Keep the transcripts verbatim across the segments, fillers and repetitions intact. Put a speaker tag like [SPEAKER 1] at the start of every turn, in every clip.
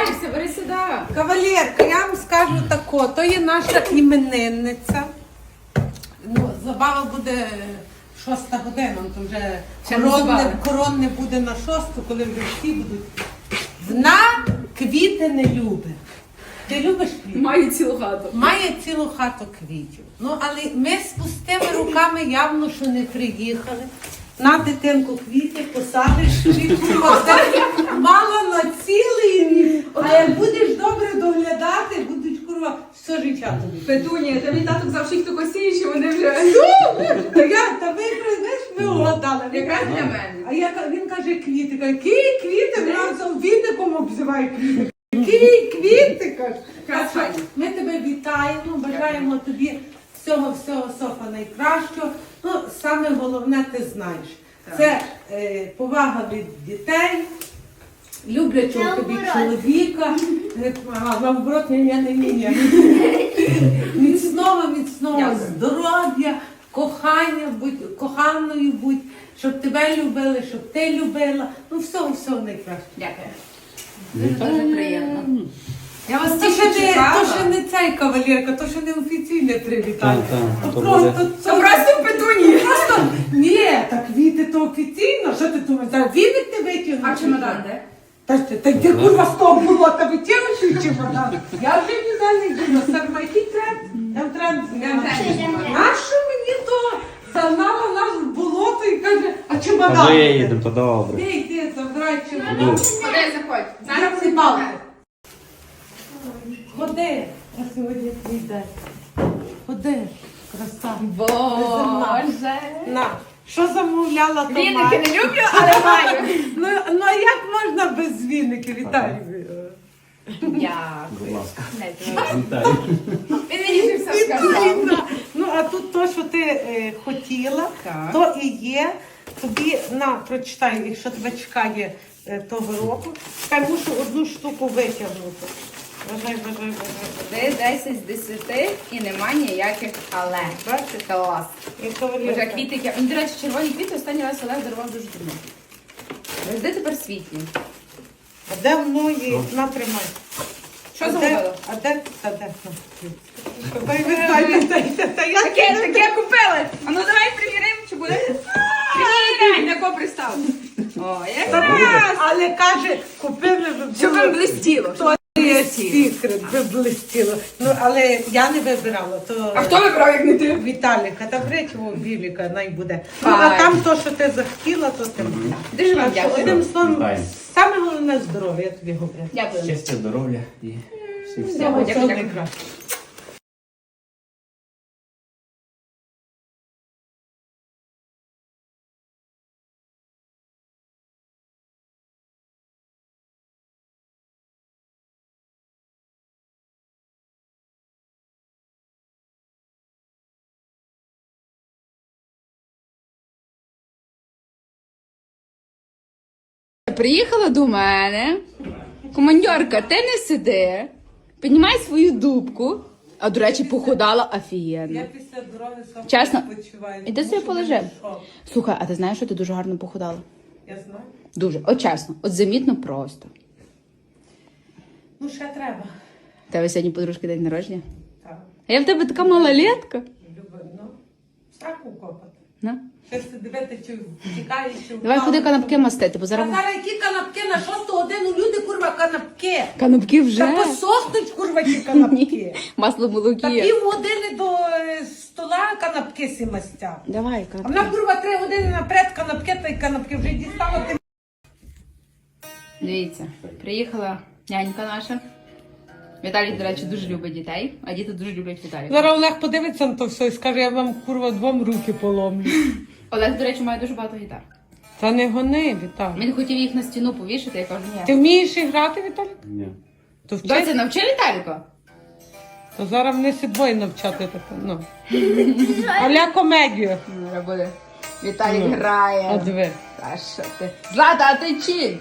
[SPEAKER 1] ховаєшся, бери сюди.
[SPEAKER 2] Кавалерка, я вам скажу тако, то є наша іменинниця. Ну, забава буде шоста година, то вже коронне, коронне буде на шосту, коли вже всі будуть. Вона квіти не любить. Ти любиш квіти?
[SPEAKER 1] Маю цілу хату.
[SPEAKER 2] Має цілу хату квітів. Ну, але ми з пустими руками явно, що не приїхали. На дитинку квіти посадиш, квітку посадиш, мало на цілий рік. А як будеш добре доглядати, будуть курва все життя тобі.
[SPEAKER 1] Петунія, та мій таток завжди їх тако сіє, що вони вже...
[SPEAKER 2] Та я, та ви, знаєш, ми угадали.
[SPEAKER 1] Якраз для мене.
[SPEAKER 2] А я, він каже квіти, каже, які квіти, разом віником обзиває квіти. Які квіти, каже.
[SPEAKER 1] Красаві.
[SPEAKER 2] Ми тебе вітаємо, бажаємо тобі всього-всього, Софа, найкращого. Ну, саме головне, ти знаєш.
[SPEAKER 1] Так.
[SPEAKER 2] Це е, повага від дітей, люблячого тобі чоловіка. Е, А, наоборот, ні, ні, ні, ні. Міцного, міцного
[SPEAKER 1] Дякую.
[SPEAKER 2] здоров'я, кохання, будь, коханою будь, щоб тебе любили, щоб ти любила. Ну, всього-всього найкраще.
[SPEAKER 1] Дякую. Дуже приємно. Я вас
[SPEAKER 2] То
[SPEAKER 1] тільки
[SPEAKER 2] ще, не,
[SPEAKER 1] чекала.
[SPEAKER 2] то ще не цей кавалерка, то ще не офіційне привітання.
[SPEAKER 3] Так, так,
[SPEAKER 2] То
[SPEAKER 3] то
[SPEAKER 2] просто,
[SPEAKER 3] буде.
[SPEAKER 2] це
[SPEAKER 1] Це просто Петунія.
[SPEAKER 2] просто, ні, так квіти то офіційно, що ти думаєш, зараз віник ти витягнеш?
[SPEAKER 1] А чемодан де?
[SPEAKER 2] Та ти, та ти курва з того було, та витягнеш і чемодан. Я вже ніде не діла, Сарма, який тренд? Я в тренд зняла. Нащо мені то загнала нас в болото і каже, а чемодан?
[SPEAKER 3] А ми їдемо, то добре.
[SPEAKER 2] Де йди, забирай чемодан.
[SPEAKER 3] Іду.
[SPEAKER 1] Ходи, заходь. Зараз
[SPEAKER 2] Зараз
[SPEAKER 1] всі
[SPEAKER 2] балки.
[SPEAKER 1] балки.
[SPEAKER 2] Ходи, а сьогодні твій день. Ходи, краса.
[SPEAKER 1] Боже.
[SPEAKER 2] На, що замовляла, то
[SPEAKER 1] Віники
[SPEAKER 2] маю.
[SPEAKER 1] не люблю, але маю.
[SPEAKER 2] Ну, ну а як можна без віників, Віталій?
[SPEAKER 3] Будь
[SPEAKER 1] Дякую.
[SPEAKER 3] ласка.
[SPEAKER 1] Дайте.
[SPEAKER 3] Вітаю.
[SPEAKER 1] Він мені вже все сказав.
[SPEAKER 2] Віталіна. Ну, а тут то, що ти е, хотіла,
[SPEAKER 1] Так.
[SPEAKER 2] то і є. Тобі, на, прочитай, якщо тебе чекає е, того року. Чекай, мушу одну штуку витягнути. Бажай, бажай, бажай.
[SPEAKER 1] Ви десять з десяти і нема ніяких але. Бачите, клас.
[SPEAKER 2] І
[SPEAKER 1] Вже
[SPEAKER 2] кавалерка.
[SPEAKER 1] квіти. Ну, до речі, червоні квіти останній раз Олег дарував дуже давно. Де тепер світлі?
[SPEAKER 2] А де мною? На, тримай.
[SPEAKER 1] Що
[SPEAKER 2] А де-
[SPEAKER 1] замовила?
[SPEAKER 2] А де? Та де? На. Дай, Віталій, та- та- та я
[SPEAKER 1] Таке, таке купили. А ну давай приміримо, чи буде? Приміряй, на кого пристав. О, як
[SPEAKER 2] Та
[SPEAKER 1] раз.
[SPEAKER 2] ні, але каже, купили ви
[SPEAKER 1] Щоб вам блистіло.
[SPEAKER 2] То є секрет, ви блистіло. Ну, але я не вибирала, то
[SPEAKER 1] А хто вибрав, як не ти?
[SPEAKER 2] Віталіка, та бречого Віліка, най буде. Ну, а
[SPEAKER 1] Файно.
[SPEAKER 2] там то, що ти захотіла, то ти маєш.
[SPEAKER 1] Дуже вам
[SPEAKER 2] Так що,
[SPEAKER 1] дякую.
[SPEAKER 2] одним словом,
[SPEAKER 3] Вітаю.
[SPEAKER 2] саме головне здоров'я, я тобі говорю.
[SPEAKER 1] Дякую.
[SPEAKER 3] Щастя, здоров'я і всіх всіх.
[SPEAKER 1] Дякую,
[SPEAKER 2] Всього
[SPEAKER 1] дякую, дякую.
[SPEAKER 2] найкраще.
[SPEAKER 1] Приїхала до мене. Командьорка, ти не сиди. Піднімай свою дубку. А, до речі, похудала
[SPEAKER 2] Я
[SPEAKER 1] офігенно.
[SPEAKER 2] після дороги сам
[SPEAKER 1] Чесно.
[SPEAKER 2] почуваю.
[SPEAKER 1] Іди
[SPEAKER 2] тому
[SPEAKER 1] собі
[SPEAKER 2] що
[SPEAKER 1] полежи.
[SPEAKER 2] мене шок.
[SPEAKER 1] Слухай, а ти знаєш, що ти дуже гарно похудала?
[SPEAKER 2] Я знаю.
[SPEAKER 1] Дуже. От чесно, от замітно просто.
[SPEAKER 2] Ну, ще треба.
[SPEAKER 1] У тебе сьогодні подружки день народження.
[SPEAKER 2] Так,
[SPEAKER 1] А я в тебе така малолетка.
[SPEAKER 2] люблю. Ну, страху копати.
[SPEAKER 1] На.
[SPEAKER 2] Ще се дивити, чи втікає, чи
[SPEAKER 1] Давай
[SPEAKER 2] впала.
[SPEAKER 1] ходи канапки мастити, бо
[SPEAKER 2] А
[SPEAKER 1] зараз
[SPEAKER 2] зараз які канапки на шосту годину люди, курва, канапки.
[SPEAKER 1] канапки вже.
[SPEAKER 2] Та посохнуть, курва, ті канапки.
[SPEAKER 1] Масло
[SPEAKER 2] Та
[SPEAKER 1] молокі.
[SPEAKER 2] пів години до е, стола канапки сі мастять.
[SPEAKER 1] Давай,
[SPEAKER 2] А вона,
[SPEAKER 1] канапки.
[SPEAKER 2] курва, три години наперед канапки, та й канапки вже дістала. Ти...
[SPEAKER 1] Дивіться, приїхала нянька наша. Віталій, до речі, дуже любить дітей, а діти дуже люблять Віталія.
[SPEAKER 2] Зараз Олег подивиться на то все і скаже, я вам, курва, двом руки поломлю.
[SPEAKER 1] Олег, до речі, має дуже багато гітар.
[SPEAKER 2] Та не гони, Віталій.
[SPEAKER 1] Він хотів їх на стіну повішати, я кажу, ні.
[SPEAKER 2] Ти вмієш і грати, Віталій?
[SPEAKER 3] Ні.
[SPEAKER 2] То вчи.
[SPEAKER 1] Доця, навчи Віталіка.
[SPEAKER 2] То зараз мене сі двоє навчати таке, ну. Аля комедію.
[SPEAKER 1] Ну, буде. Віталік
[SPEAKER 2] Ну,
[SPEAKER 1] грає.
[SPEAKER 2] А диви.
[SPEAKER 1] Та що ти? Злата, а ти чим?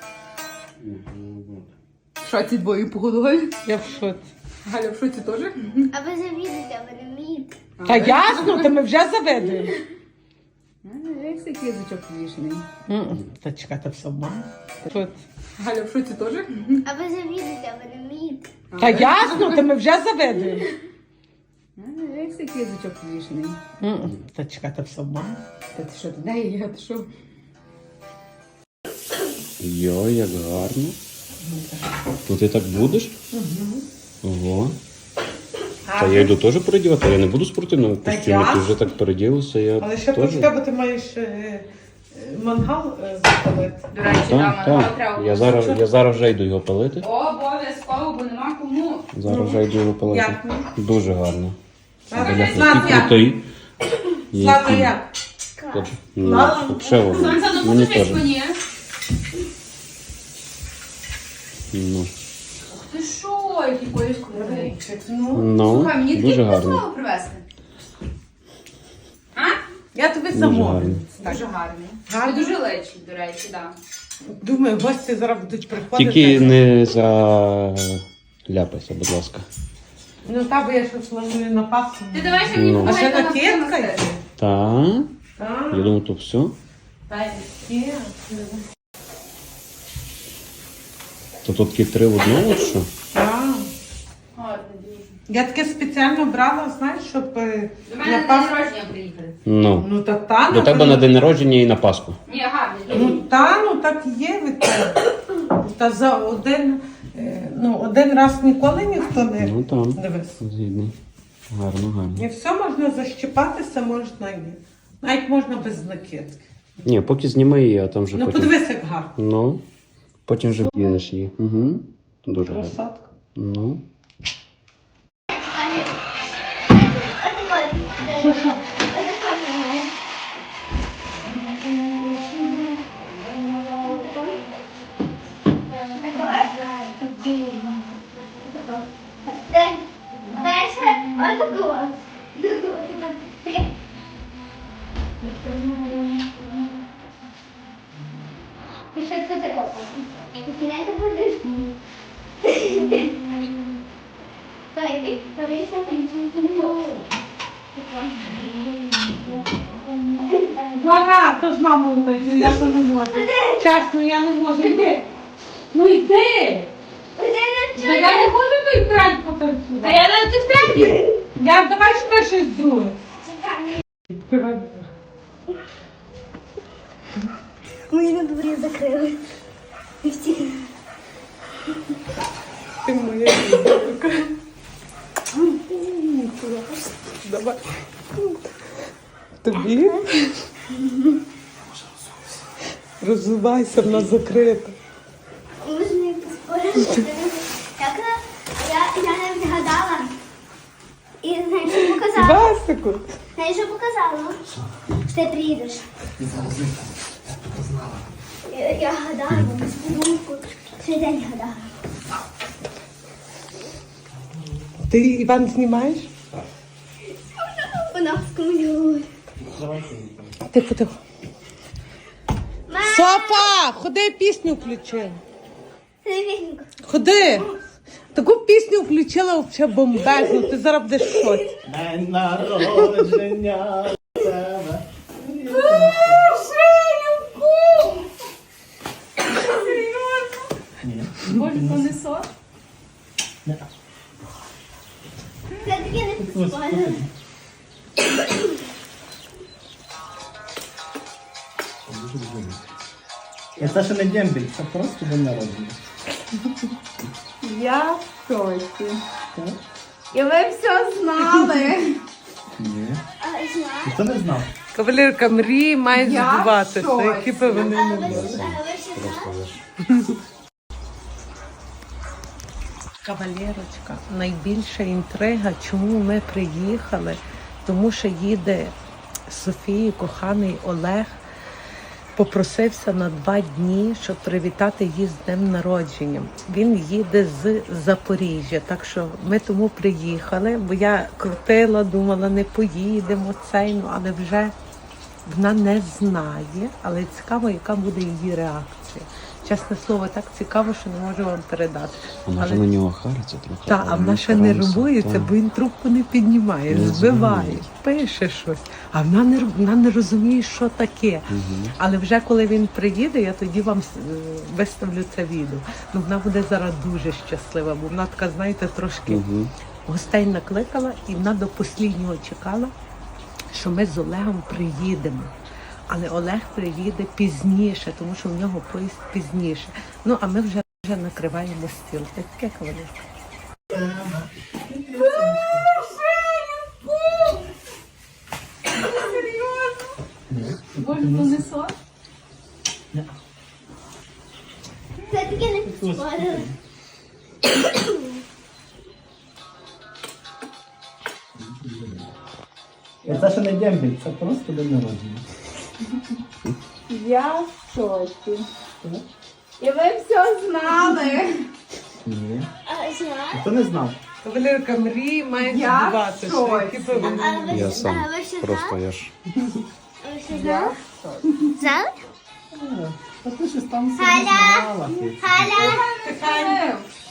[SPEAKER 1] Що ці двоє погодували?
[SPEAKER 2] Я в шоці.
[SPEAKER 1] Галя, в шоці теж?
[SPEAKER 4] А ви завідуєте, а ви не вмієте.
[SPEAKER 2] Та ясно, та ми вже заведуємо.
[SPEAKER 1] Дивись, який язичок вішний.
[SPEAKER 2] Та чекай, та все мама. Що?
[SPEAKER 1] Галя, в шоці теж?
[SPEAKER 4] А ви завідуєте, а ви не вмієте.
[SPEAKER 2] Та ясно, та ми вже заведуємо.
[SPEAKER 1] Дивись, який язичок вішний.
[SPEAKER 2] Та чекай, та все мама.
[SPEAKER 1] Та ти що, туди є, ти що?
[SPEAKER 3] Йо, як гарно. То ти так будеш? Ого. Та я йду теж передівати, я не буду в спортивному
[SPEAKER 2] Та
[SPEAKER 3] костюмі, ти
[SPEAKER 2] ясно.
[SPEAKER 3] вже так переділася, я
[SPEAKER 2] Але ще
[SPEAKER 3] теж.
[SPEAKER 2] почекай, бо ти маєш е, е, мангал е, запалити.
[SPEAKER 1] До речі,
[SPEAKER 3] Так,
[SPEAKER 1] дама,
[SPEAKER 3] так.
[SPEAKER 1] треба.
[SPEAKER 3] Я зараз, я зараз вже йду його палити.
[SPEAKER 1] Обов'язково, бо нема кому.
[SPEAKER 3] Зараз вже йду його палити.
[SPEAKER 2] Як ну?
[SPEAKER 3] Дуже гарно.
[SPEAKER 2] Слава,
[SPEAKER 3] Бляха,
[SPEAKER 2] Слава,
[SPEAKER 3] який
[SPEAKER 2] як?
[SPEAKER 3] крутий.
[SPEAKER 2] Слава,
[SPEAKER 3] Який.
[SPEAKER 2] як?
[SPEAKER 3] Ну,
[SPEAKER 2] Слава.
[SPEAKER 3] взагалі, воно.
[SPEAKER 1] Санса, ну
[SPEAKER 3] Мені
[SPEAKER 1] покажи
[SPEAKER 3] теж.
[SPEAKER 1] мені.
[SPEAKER 3] Ну,
[SPEAKER 1] Ти що, який поїзд крутий?
[SPEAKER 2] Ну,
[SPEAKER 3] ну
[SPEAKER 1] Слухай, мені
[SPEAKER 3] дуже
[SPEAKER 1] такі
[SPEAKER 3] гарно.
[SPEAKER 1] слово привезти. А?
[SPEAKER 2] я тобі
[SPEAKER 3] Дуже
[SPEAKER 2] замовлю.
[SPEAKER 1] Дуже гарний.
[SPEAKER 2] Гарний?
[SPEAKER 1] Ви дуже лечі, до речі, так.
[SPEAKER 2] Думаю, гості зараз будуть приходити.
[SPEAKER 3] Тільки не заляпайся, будь ласка.
[SPEAKER 2] Ну та, бо я ще планую на Пасху.
[SPEAKER 1] Ти давай ще мені
[SPEAKER 3] Ну.
[SPEAKER 2] А ще
[SPEAKER 1] помагай, я
[SPEAKER 2] накидка
[SPEAKER 1] на
[SPEAKER 2] є?
[SPEAKER 3] Так,
[SPEAKER 2] Так,
[SPEAKER 3] я думаю, то все.
[SPEAKER 2] є.
[SPEAKER 3] То тут такі три в одному, чи що?
[SPEAKER 2] Так.
[SPEAKER 1] Гарно, дуже.
[SPEAKER 2] Я таке спеціально брала, знаєш, щоб е,
[SPEAKER 1] До
[SPEAKER 2] на
[SPEAKER 1] мене на день
[SPEAKER 2] Пасху...
[SPEAKER 1] народження приїхали.
[SPEAKER 3] Ну.
[SPEAKER 2] Ну та та,
[SPEAKER 3] До тебе на день народження і на Пасху.
[SPEAKER 1] Ні, гарний.
[SPEAKER 2] Ну та, ну так і є від тебе. Та за один, е, ну, один раз ніколи ніхто не
[SPEAKER 3] Ну там.
[SPEAKER 2] дивись.
[SPEAKER 3] Згідний. Гарно, гарно.
[SPEAKER 2] І все можна защіпатися, можна і. Навіть можна без накидки.
[SPEAKER 3] Ні, поки зніми її, а там вже
[SPEAKER 2] Ну
[SPEAKER 3] потім.
[SPEAKER 2] подивись, як гарно.
[SPEAKER 3] Ну. Потім вже в'їдеш її. Угу. Дуже гарно.
[SPEAKER 2] Красотка.
[SPEAKER 3] Ну.
[SPEAKER 2] Ага, то з мамою, я то не можу. Чесно, я не можу. Йди. Ну йди. Та я не можу той трек потанцювати.
[SPEAKER 1] Та я на цих треків.
[SPEAKER 2] Я давай ще щось друге.
[SPEAKER 4] Мої на дворі закрили. І всі.
[SPEAKER 2] Ти моя дівчинка. Давай. Тобі? Розвивайся, вона закрита.
[SPEAKER 4] Можна і поспорити. Я, я, я не вгадала. І знаєш, що показала?
[SPEAKER 2] Басику.
[SPEAKER 4] Знаєш, що показала? Що ти приїдеш. Я, я гадала, без подумку. Цей день гадала.
[SPEAKER 2] Ти Іван знімаєш?
[SPEAKER 4] Вона з комуню.
[SPEAKER 2] Тихо, тихо. Софа, ходи, пісню включи.
[SPEAKER 4] Привітненько.
[SPEAKER 2] Ходи. Таку пісню включила взагалі бомбезну. Ти зараз будеш в шоці.
[SPEAKER 5] День народження тебе.
[SPEAKER 1] Боже, то не сон?
[SPEAKER 4] Я таки не поспорила.
[SPEAKER 5] І це ще не дембель, це просто день народження.
[SPEAKER 1] Я в шоці.
[SPEAKER 5] Так?
[SPEAKER 1] І ви все знали.
[SPEAKER 5] Ні.
[SPEAKER 4] А, знаю.
[SPEAKER 5] Ніхто не знав.
[SPEAKER 2] Кавалерка мрії має
[SPEAKER 1] Я в
[SPEAKER 2] збуватися.
[SPEAKER 1] шоці.
[SPEAKER 2] Які б вони не
[SPEAKER 4] А ви
[SPEAKER 2] були.
[SPEAKER 4] ще а ви ще знаєте?
[SPEAKER 2] Кавалерочка, найбільша інтрига, чому ми приїхали, тому що їде Софії, коханий Олег, попросився на два дні, щоб привітати її з днем народження. Він їде з Запоріжжя, так що ми тому приїхали, бо я крутила, думала, не поїдемо цей, ну, але вже вона не знає, але цікаво, яка буде її реакція. Чесне слово, так цікаво, що не можу вам передати.
[SPEAKER 3] А може
[SPEAKER 2] Але-
[SPEAKER 3] на нього хариться трохи?
[SPEAKER 2] Так, а вона ще не рубується, бо він трубку не піднімає,
[SPEAKER 3] Не
[SPEAKER 2] збиває,
[SPEAKER 3] дзвонить.
[SPEAKER 2] пише щось. А вона не, роб- вона не розуміє, що таке. Але вже коли він приїде, я тоді вам е, виставлю це відео. Ну, вона буде зараз дуже щаслива, бо вона така, знаєте, трошки
[SPEAKER 3] Угу.
[SPEAKER 2] гостей накликала, і вона до останнього чекала, що ми з Олегом приїдемо. Але Олег приїде пізніше, тому що в нього поїзд пізніше. Ну, а ми вже, вже накриваємо стіл. Таке кавалерка.
[SPEAKER 4] Це таке не підспорили.
[SPEAKER 5] І це ще не дембіль, це просто день народження.
[SPEAKER 1] Я в шоці. І ви все знали.
[SPEAKER 5] Ні.
[SPEAKER 4] А знаєш?
[SPEAKER 5] Хто не знав?
[SPEAKER 2] Кавалерка, мрії мають
[SPEAKER 1] Я
[SPEAKER 2] збуватися.
[SPEAKER 1] в шоці.
[SPEAKER 2] Які ви-
[SPEAKER 4] А ви
[SPEAKER 3] Я
[SPEAKER 4] ж-
[SPEAKER 3] сам.
[SPEAKER 4] а ви ще
[SPEAKER 3] Просто
[SPEAKER 4] знали?
[SPEAKER 3] я ж.
[SPEAKER 4] А ви ще знали? Знали?
[SPEAKER 5] Та ти щось там собі
[SPEAKER 4] Галя!
[SPEAKER 5] знала. ти.
[SPEAKER 4] Галя!